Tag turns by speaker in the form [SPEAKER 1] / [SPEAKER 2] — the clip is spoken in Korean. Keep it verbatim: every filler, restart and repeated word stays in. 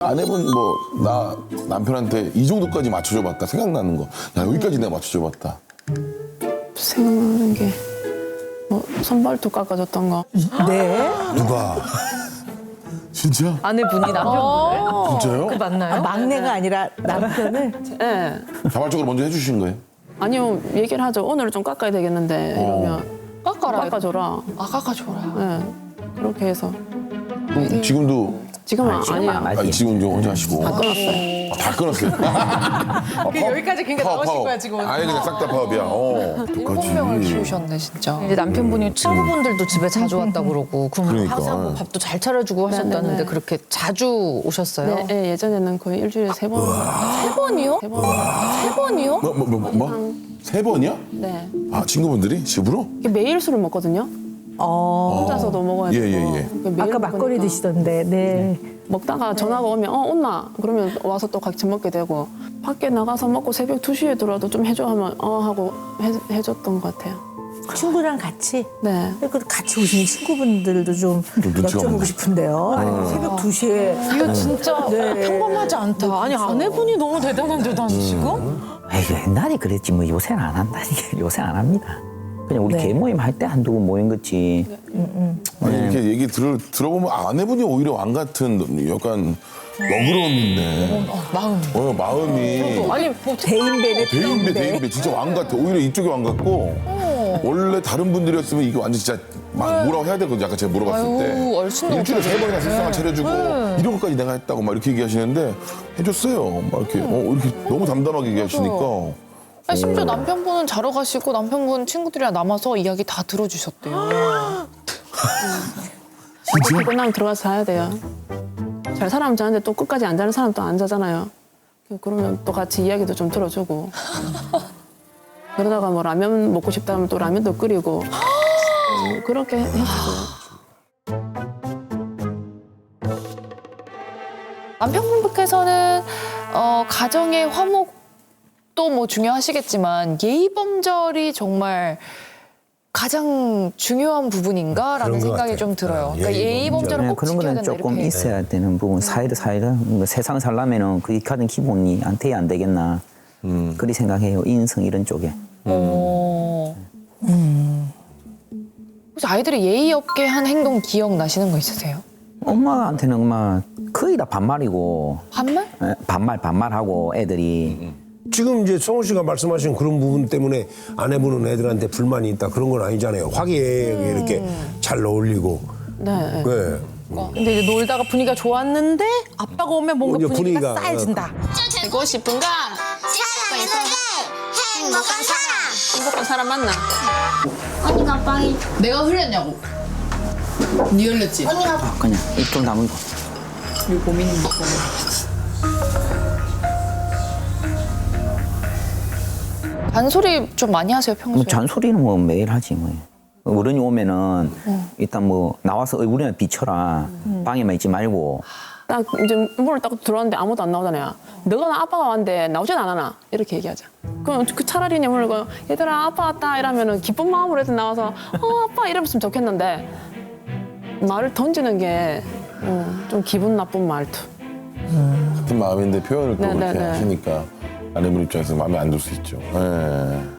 [SPEAKER 1] 아내분 뭐 나 남편한테 이 정도까지 맞춰줘봤다 생각나는 거. 야 여기까지 내가 맞춰줘봤다.
[SPEAKER 2] 생각나는 게 뭐 선발톱 깎아줬던 거.
[SPEAKER 3] 네.
[SPEAKER 1] 누가? 진짜?
[SPEAKER 4] 아내분이 남편분을?
[SPEAKER 1] 진짜요?
[SPEAKER 4] 그 맞나요?
[SPEAKER 3] 아, 막내가 아니라 남편을.
[SPEAKER 2] 네.
[SPEAKER 1] 자발적으로 먼저 해주신 거예요?
[SPEAKER 2] 아니요 얘기를 하죠. 오늘은 좀 깎아야 되겠는데 이러면
[SPEAKER 4] 깎아라.
[SPEAKER 2] 깎아줘라.
[SPEAKER 4] 아, 깎아줘라.
[SPEAKER 2] 네. 그렇게 해서
[SPEAKER 1] 그럼 지금도
[SPEAKER 2] 지금은
[SPEAKER 5] 아니, 지금
[SPEAKER 2] 아니에요.
[SPEAKER 5] 안 하지.
[SPEAKER 1] 아, 지금 좀 혼자 하시고.
[SPEAKER 2] 다 끊었어요.
[SPEAKER 1] 아, 다 끊었어요. 아,
[SPEAKER 4] 여기까지 그러니까
[SPEAKER 1] 파업,
[SPEAKER 4] 나오신
[SPEAKER 1] 파업.
[SPEAKER 4] 거야, 지금.
[SPEAKER 1] 아예 그냥 싹 다 파업이야. 어.
[SPEAKER 4] 일곱 명을 키우셨네, 진짜.
[SPEAKER 6] 이제 남편분이 친구분들도 집에 자주 왔다 그러고 그럼
[SPEAKER 1] 그러니까.
[SPEAKER 6] 항상 뭐 밥도 잘 차려주고 하셨다는데
[SPEAKER 2] 네네네.
[SPEAKER 6] 그렇게 자주 오셨어요?
[SPEAKER 2] 네, 네, 예전에는 거의 일주일에 세 번.
[SPEAKER 4] 세 번이요?
[SPEAKER 2] 세 번.
[SPEAKER 4] 세 번이요?
[SPEAKER 1] 뭐, 뭐, 뭐, 뭐? 세 번이야?
[SPEAKER 2] 네.
[SPEAKER 1] 아, 친구분들이? 집으로?
[SPEAKER 2] 이게 매일 술을 먹거든요.
[SPEAKER 3] 어.
[SPEAKER 2] 혼자서도 먹어야
[SPEAKER 1] 예,
[SPEAKER 2] 되고.
[SPEAKER 1] 예, 예.
[SPEAKER 2] 그러니까 매일
[SPEAKER 3] 아까 막걸리
[SPEAKER 2] 먹으니까.
[SPEAKER 3] 드시던데. 네.
[SPEAKER 2] 먹다가 전화가 오면 어 온나 그러면 와서 또 같이 먹게 되고 밖에 나가서 먹고 새벽 두 시에 들어와도 좀 해줘 하면 어 하고 해, 해줬던 것 같아요.
[SPEAKER 3] 친구랑 같이.
[SPEAKER 2] 네.
[SPEAKER 3] 그 같이 오신 친구분들도 좀
[SPEAKER 1] 눈치가
[SPEAKER 3] 여쭤보고
[SPEAKER 1] 없네.
[SPEAKER 3] 싶은데요. 아니, 새벽 두 시에.
[SPEAKER 4] 이거 진짜
[SPEAKER 3] 네.
[SPEAKER 4] 평범하지 않다. 아니, 아내분이 너무 대단한데, 난 지금?
[SPEAKER 5] 아이, 옛날에 그랬지 뭐 요새는 안 한다. 요새 안 합니다. 그냥 우리
[SPEAKER 3] 네.
[SPEAKER 5] 개 모임 할 때 한두 번 모인 거지.
[SPEAKER 1] 아니, 이렇게 얘기 들, 들어보면 아내분이 오히려 왕 같은 약간 너그러움인데.
[SPEAKER 4] 마음.
[SPEAKER 1] 어, 마음이.
[SPEAKER 4] 아니, 뭐,
[SPEAKER 3] 대인배네,
[SPEAKER 1] 대인배, 대인배. 진짜 왕 같아. 오히려 이쪽이 왕 같고. 원래 다른 분들이었으면 이거 완전 진짜 막 뭐라고 해야 되거든요. 아까 제가 물어봤을
[SPEAKER 4] 아유,
[SPEAKER 1] 때.
[SPEAKER 4] 얼씬도
[SPEAKER 1] 일주일에 세 번이나
[SPEAKER 4] 못하죠.
[SPEAKER 1] 식사만 차려주고 이런 것까지 내가 했다고 막 이렇게 얘기하시는데 해줬어요. 막 이렇게, 어, 이렇게 너무 담담하게 얘기하시니까.
[SPEAKER 4] 아니, 심지어 남편분은 자러 가시고 남편분 친구들이랑 남아서 이야기 다 들어주셨대요.
[SPEAKER 2] 진짜? 끝나면 들어가서 자야 돼요. 잘 사람 자는데 또 끝까지 안 자는 사람 또 안 자잖아요. 그러면 또 같이 이야기도 좀 들어주고. 그러다가 뭐 라면 먹고 싶다 하면 또 라면도 끓이고. 음, 그렇게 했어요.
[SPEAKER 4] 남편분께서는 어, 가정의 화목도 뭐 중요하시겠지만 예의 범절이 정말 가장 중요한 부분인가라는
[SPEAKER 7] 그런 것
[SPEAKER 4] 생각이
[SPEAKER 7] 같아요.
[SPEAKER 4] 좀 들어요.
[SPEAKER 7] 아,
[SPEAKER 4] 그러니까
[SPEAKER 7] 예의
[SPEAKER 4] 예의
[SPEAKER 7] 범절.
[SPEAKER 4] 범절을
[SPEAKER 5] 네,
[SPEAKER 4] 꼭
[SPEAKER 5] 그런
[SPEAKER 4] 지켜야
[SPEAKER 5] 거는
[SPEAKER 4] 된다
[SPEAKER 5] 조금
[SPEAKER 4] 이렇게.
[SPEAKER 5] 있어야 되는 부분. 사이드 사이드 뭐 세상 살려면은 그게 가장 기본이 안 돼야 안 되겠나. 그리 생각해요. 인성 이런 쪽에.
[SPEAKER 4] 어. 혹시 아이들이 예의 없게 한 행동 기억나시는 거 있으세요?
[SPEAKER 5] 엄마한테는 엄마 거의 다 반말이고
[SPEAKER 4] 반말?
[SPEAKER 5] 에, 반말 반말하고 애들이
[SPEAKER 7] 지금 이제 성호 씨가 말씀하신 그런 부분 때문에 아내분은 애들한테 불만이 있다 그런 건 아니잖아요. 화기애애하게 이렇게 잘 어울리고.
[SPEAKER 2] 네.
[SPEAKER 7] 네.
[SPEAKER 6] 근데 이제 놀다가 분위기가 좋았는데 아빠가 오면 뭔가
[SPEAKER 7] 이제
[SPEAKER 6] 분위기가,
[SPEAKER 7] 분위기가,
[SPEAKER 6] 싸해진다.
[SPEAKER 2] 되고 싶은 건
[SPEAKER 8] 사랑하는 행복한 사람.
[SPEAKER 2] 행복한 사람 만나.
[SPEAKER 8] 언니가 빵이
[SPEAKER 9] 내가 흘렸냐고. 니 흘렸지?
[SPEAKER 8] 언니가
[SPEAKER 5] 아, 그냥 입 좀 다물고.
[SPEAKER 9] 우리 고민인 거.
[SPEAKER 4] 잔소리 좀 많이 하세요 평소에?
[SPEAKER 5] 뭐 잔소리는 뭐 매일 하지 뭐. 어른이 오면은 일단 뭐 나와서 얼굴이나 비춰라. 방에만 있지 말고.
[SPEAKER 2] 딱 이제 문을 딱 들어왔는데 아무도 안 나오잖아요. 너가 나 아빠가 왔는데 나오진 않아나 이렇게 얘기하자. 그럼 그 차라리 내 문을 거 얘들아 아빠 왔다 이러면은 기쁜 마음으로 해서 나와서 어 아빠 이러면 좋겠는데 말을 던지는 게 좀 기분 나쁜 말투.
[SPEAKER 1] 같은 마음인데 표현을 또
[SPEAKER 2] 네,
[SPEAKER 1] 그렇게
[SPEAKER 2] 네, 네.
[SPEAKER 1] 하시니까 아내분 입장에서 마음에 안 들 수 있죠. 예.